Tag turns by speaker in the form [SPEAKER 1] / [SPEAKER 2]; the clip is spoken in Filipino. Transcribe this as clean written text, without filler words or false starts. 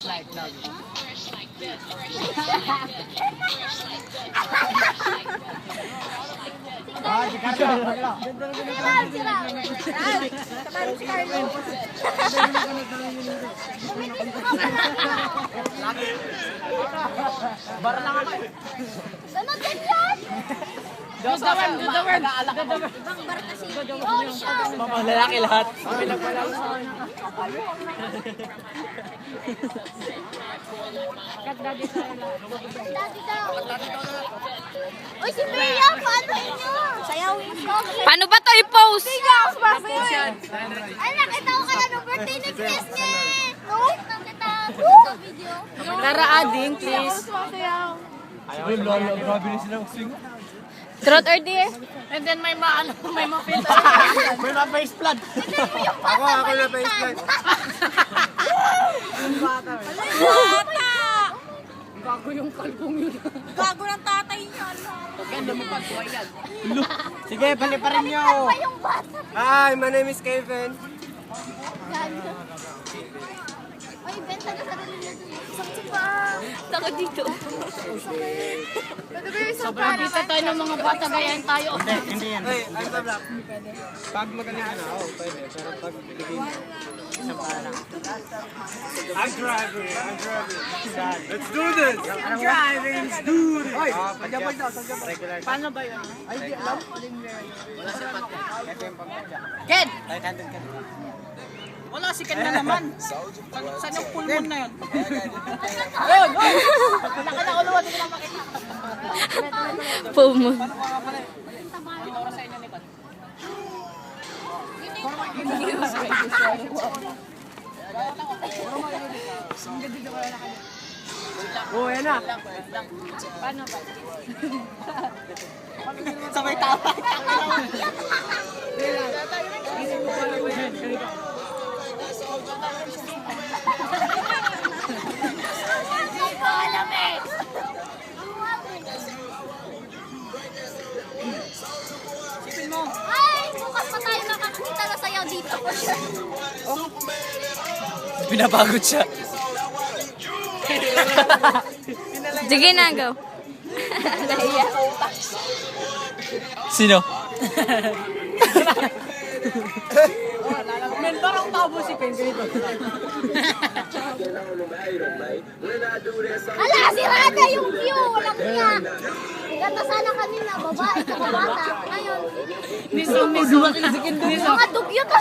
[SPEAKER 1] Bar lang ako.
[SPEAKER 2] Ganun din yan!
[SPEAKER 1] Do the word.
[SPEAKER 2] Ibang bar kasi. Oh, siya!
[SPEAKER 1] Mga lalaki lahat.
[SPEAKER 2] Dati daw. Uy, si Bea, paano inyo? Sayawin ko.
[SPEAKER 3] Paano ba to i-post?
[SPEAKER 2] Ay, nakita ko kaya ng birthday ni Chris niya. No? Nakita ko sa video.
[SPEAKER 3] Tara, ading, please.
[SPEAKER 1] Ay, lolo, grabe na silang swing.
[SPEAKER 3] Truth or dare?
[SPEAKER 1] And then may ma-filter. May ma-face flood.
[SPEAKER 2] Ako na pa yung
[SPEAKER 1] Gago yung kalbong yun.
[SPEAKER 2] Gago ng tatay niya.
[SPEAKER 1] Ganda mo pa, buhay yan. Sige, paliparin nyo.
[SPEAKER 2] Pa yung bata.
[SPEAKER 4] Hi, my name is Kevin.
[SPEAKER 2] Uy, benta na sa rin nila dun. Sakit pa.
[SPEAKER 3] Taka dito.
[SPEAKER 2] Pwede ba yung isang
[SPEAKER 1] Sobrang kita tayo ng mga bata, gayahin tayo.
[SPEAKER 4] Hindi yan. Hey, I'm the black. Pag magaling ka na, pwede. Pero pag bigay mo, isang parang. I'm driving. Let's do this. I'm driving. Let's do this. Hoy, pagyapag daw.
[SPEAKER 1] Paano ba yun?
[SPEAKER 4] Ay, di alam. Wala si Pat. Ito yung pagkakya.
[SPEAKER 1] Ken!
[SPEAKER 4] Ay, nandun ka.
[SPEAKER 1] Wala si Ken na naman. Saan yung pulmon na yun? Ayun! Naka na ulo, hindi ko lang makita.
[SPEAKER 3] Pomo.
[SPEAKER 1] Ang oras sa inyo ni Pat.
[SPEAKER 4] Oo, yan na.
[SPEAKER 1] Paano ba?
[SPEAKER 4] Sabay tawa.
[SPEAKER 2] Hindi ko alam eh.
[SPEAKER 1] Sipin mo.
[SPEAKER 2] Ay, bukas pa tayo makakita na sayaw dito.
[SPEAKER 4] Pinapagod siya.
[SPEAKER 3] Sige na, go. Nahiya.
[SPEAKER 4] Sino?
[SPEAKER 1] Men, parang tabo si Ken ganito.
[SPEAKER 2] Hala, sirada yung view. Walang niya. Ganda sana kanina, babae sa bata. Ngayon,
[SPEAKER 1] Miso,
[SPEAKER 2] mga dugyot